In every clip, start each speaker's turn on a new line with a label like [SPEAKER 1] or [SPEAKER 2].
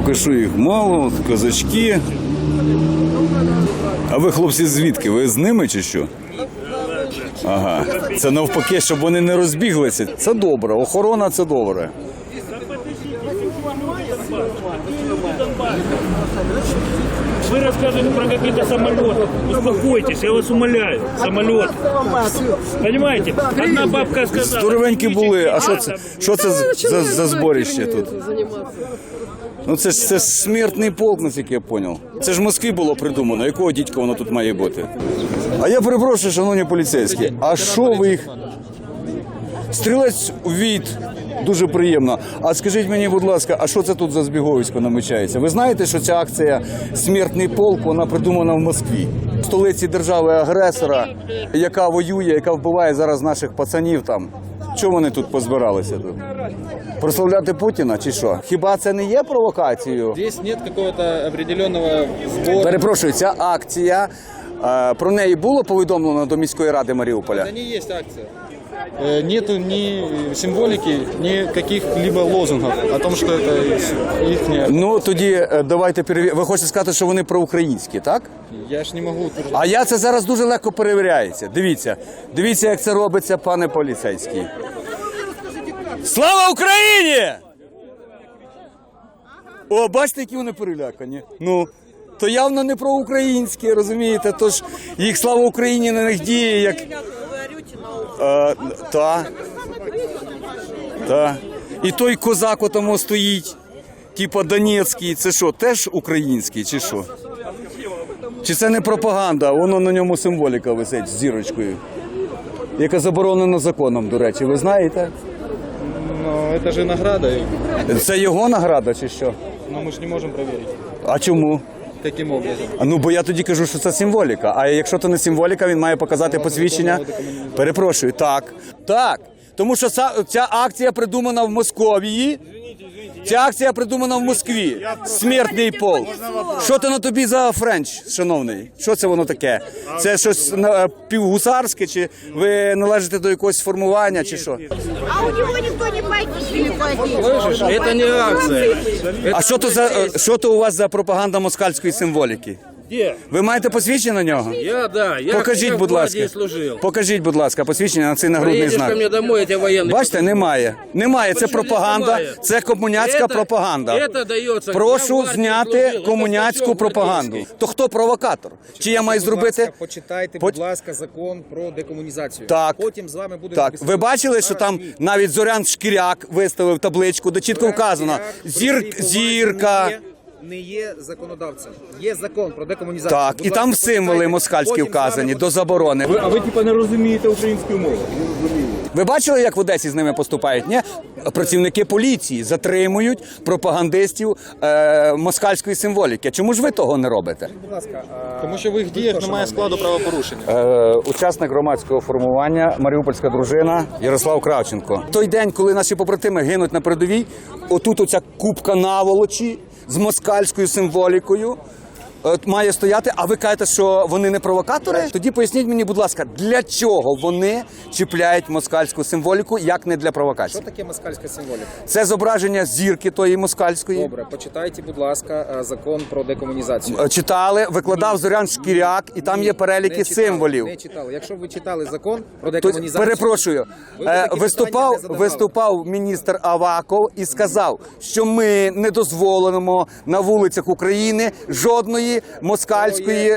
[SPEAKER 1] Поки що їх мало, от козачки. А ви, хлопці, звідки? Ви з ними чи що? Ага. Це навпаки, щоб вони не розбіглися. Це добре. Охорона – це добре.
[SPEAKER 2] Вы рассказываете про какие-то самолеты. Успокойтесь, я вас умоляю. Самолет. Понимаете? Одна бабка сказала.
[SPEAKER 1] Здоровенькі були. А що це за зборище тут? Ну це ж смертний полк, наскільки я зрозумів. Це ж в Москві було придумано. Якого дідька воно тут має бути? А я перепрошую, шановні поліцейські, а що ви їх... Стрілець у від, дуже приємно. А скажіть мені, будь ласка, а що це тут за збіговисько намічається? Ви знаєте, що ця акція «Смертний полк», вона придумана в Москві? В столиці держави-агресора, яка воює, яка вбиває зараз наших пацанів там. Чому вони тут позбиралися? Тут? Прославляти Путіна чи що? Хіба це не є провокацією?
[SPEAKER 3] Здесь нет какого-то определенного сбора.
[SPEAKER 1] Перепрошую, ця акція, про неї було повідомлено до міської ради Маріуполя?
[SPEAKER 3] Это не есть акция. Нету ни символики, ни каких-либо лозунгов о том, что это их...
[SPEAKER 1] Ну, тоді давайте перевіримо. Ви хочете сказати, що вони проукраїнські, так?
[SPEAKER 3] Я ж не могу утверждать.
[SPEAKER 1] А я це зараз дуже легко перевіряється. Дивіться. Дивіться, як це робиться, пане поліцейський. Слава Україні! О, бачите, які вони перелякані. Ну, то явно не проукраїнські, розумієте? Тож їх слава Україні на них діє, як... Та. І той козак отамо стоїть, типа Донецький, це що, теж український чи що? Чи це не пропаганда, воно на ньому символіка висить з зірочкою, яка заборонена законом, до речі, ви знаєте?
[SPEAKER 3] Но это же награда.
[SPEAKER 1] Це його награда чи що?
[SPEAKER 3] Но мы же не можем проверить.
[SPEAKER 1] А чому?
[SPEAKER 3] Каким образом?
[SPEAKER 1] Ну, бо я тоді кажу, що це символіка. А якщо це не символіка, він має показати посвідчення. Перепрошую, так. Так. Тому що ця акція придумана в Московії. Ця акція придумана в Москві. Смертний полк. Що це на тобі за френч, шановний? Що це воно таке? Це щось півгусарське, чи ви належите до якогось формування, чи що?
[SPEAKER 4] А у него никто не погиб.
[SPEAKER 3] Слышишь? Это не акция.
[SPEAKER 1] А що то у вас за пропаганда москальської символіки?
[SPEAKER 2] Где?
[SPEAKER 1] Ви маєте посвідчення на нього?
[SPEAKER 2] Я
[SPEAKER 1] Покажіть, будь ласка. Покажіть, будь ласка, посвідчення на цей нагрудний знак.
[SPEAKER 2] ко мне домой, я тебе военный.
[SPEAKER 1] Бачите, немає. Немає, це
[SPEAKER 2] Почему
[SPEAKER 1] пропаганда,
[SPEAKER 2] немає?
[SPEAKER 1] це комуняцька пропаганда.
[SPEAKER 2] Это дається.
[SPEAKER 1] Прошу зняти комуняцьку пропаганду. То хто провокатор? Чи я маю зробити?
[SPEAKER 5] Почитайте, будь ласка, закон про декомунізацію.
[SPEAKER 1] Так.
[SPEAKER 5] Потім з вами буде
[SPEAKER 1] Так, ви бачили, що там навіть Зорян Шкіряк виставив табличку, де чітко вказано зірка.
[SPEAKER 5] Не є законодавцем. Є закон про декомунізацію.
[SPEAKER 1] Так, і там символи москальські вказані до заборони.
[SPEAKER 2] А ви типа не розумієте українську мову?
[SPEAKER 1] Ви бачили, як в Одесі з ними поступають? Ні? Працівники поліції затримують пропагандистів москальської символіки. Чому ж ви того не робите?
[SPEAKER 5] Будь ласка,
[SPEAKER 3] Тому що в їх діях немає складу правопорушення.
[SPEAKER 1] Учасник громадського формування, маріупольська дружина Ярослав Кравченко. Той день, коли наші побратими гинуть на передовій, отут оця купка наволочі з москальською символікою має стояти, а ви кажете, що вони не провокатори? Тоді поясніть мені, будь ласка, для чого вони чіпляють москальську символіку, як не для провокації?
[SPEAKER 5] що таке москальська символіка?
[SPEAKER 1] Це зображення зірки тої москальської.
[SPEAKER 5] Добре, почитайте, будь ласка, закон про декомунізацію.
[SPEAKER 1] Читали, викладав Зорян Шкіряк, і там є переліки
[SPEAKER 5] Не читали,
[SPEAKER 1] символів.
[SPEAKER 5] Не читали. Якщо ви читали закон про
[SPEAKER 1] То,
[SPEAKER 5] декомунізацію...
[SPEAKER 1] перепрошую,
[SPEAKER 5] ви такі питання не задавали.
[SPEAKER 1] виступав міністр Аваков і сказав, що ми не дозволимо на вулицях України жодної москальської,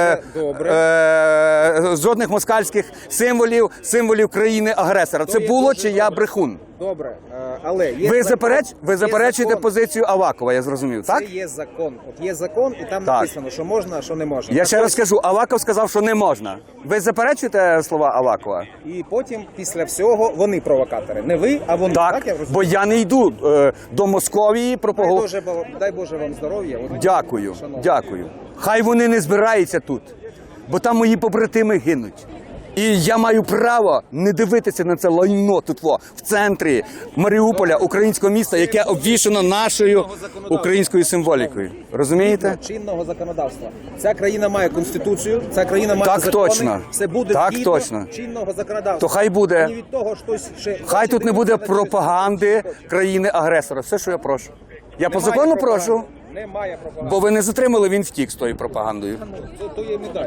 [SPEAKER 1] жодних москальських символів країни-агресора. Це було чи я брехун?
[SPEAKER 5] Добре, але... Є
[SPEAKER 1] Ви заперечуєте
[SPEAKER 5] закон.
[SPEAKER 1] позицію Авакова, я зрозумів, так?
[SPEAKER 5] Це є закон. От є закон, і там
[SPEAKER 1] Так.
[SPEAKER 5] написано, що можна, а що не можна.
[SPEAKER 1] Я
[SPEAKER 5] Так
[SPEAKER 1] ще раз
[SPEAKER 5] ось,
[SPEAKER 1] скажу, Аваков сказав, що не можна. Ви заперечуєте слова Авакова?
[SPEAKER 5] І потім, після всього, вони провокатори. Не ви, а вони.
[SPEAKER 1] Так,
[SPEAKER 5] я розумію?
[SPEAKER 1] бо я не йду до Московії
[SPEAKER 5] Дай Боже вам здоров'я. От,
[SPEAKER 1] Дякую,
[SPEAKER 5] шановні.
[SPEAKER 1] дякую. Хай вони не збираються тут, бо там мої побратими гинуть. І я маю право не дивитися на це лайно тут в центрі Маріуполя, українського міста, яке обвішано нашою українською символікою. Розумієте?
[SPEAKER 5] Чинного законодавства. Ця країна має конституцію, ця країна має
[SPEAKER 1] Так
[SPEAKER 5] закони.
[SPEAKER 1] точно.
[SPEAKER 5] Все буде
[SPEAKER 1] Так
[SPEAKER 5] згідно
[SPEAKER 1] точно.
[SPEAKER 5] чинного законодавства.
[SPEAKER 1] То хай буде.
[SPEAKER 5] І від того, хтось ще...
[SPEAKER 1] Хай тут не буде пропаганди країни-агресора. Все, що я прошу. Я по закону прошу.
[SPEAKER 5] Немає пропаганди.
[SPEAKER 1] Бо ви не затримали, він втік з тою пропагандою.
[SPEAKER 5] То є медаль.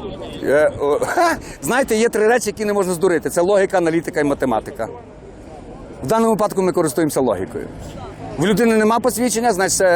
[SPEAKER 1] Знаєте, є 3 речі, які не можна здурити. Це логіка, аналітика і математика. В даному випадку ми користуємося логікою. В людини нема посвідчення, значить це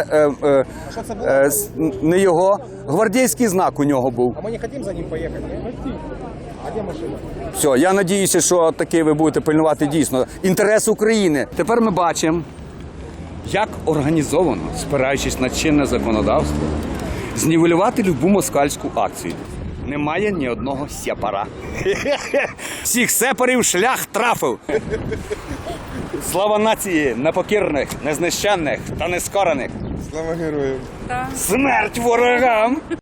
[SPEAKER 1] не його. Гвардійський знак у нього був.
[SPEAKER 5] А ми не хочемо за ним поїхати? А де машина?
[SPEAKER 1] Все, я надіюся, що таки ви будете пильнувати дійсно інтерес України. Тепер ми бачимо, як організовано, спираючись на чинне законодавство, знівелювати любу москальську акцію. Немає ні одного сепара. Всіх сепарів шлях трафив. Слава нації непокірних, незнищенних та нескорених.
[SPEAKER 6] Слава героям!
[SPEAKER 1] Смерть ворогам!